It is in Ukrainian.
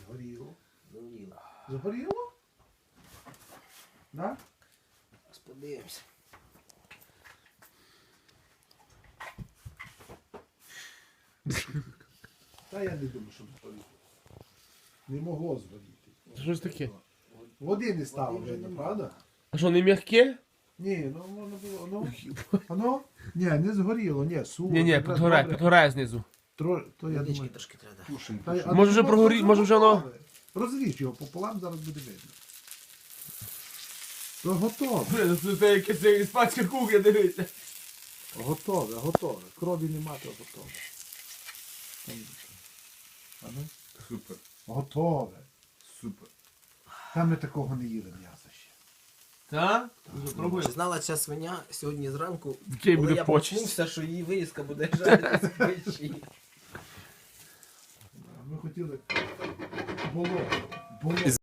Згоріло. Згоріло. Згоріло? Да? Зараз подивимося. Та я не думаю, що згоріло. Не могло згоріти. Що ж таке? Води не стало, Води вже видно, нема. правда? А що, не м'яке? Ні, ну воно було, ну, ні, не згоріло, ні, сухо. Ні, якраз добре. підгорає знизу. То я Водички думаю, трошки треба. кушай. Може вже може вже воно... Розріж його пополам, зараз буде видно. То готове, Блин, це якась іспанська кухня, дивіться. готове, готове. Крові нема, то готове. А ну? Супер. Готове. Супер. Там ми такого не їли м'яса ще. Так? Вже пробуй. Чи знала ця свиня сьогодні зранку, Який коли буде я почесть. проснувся, що її вирізка буде жаритися в печі. Ми хотіли було.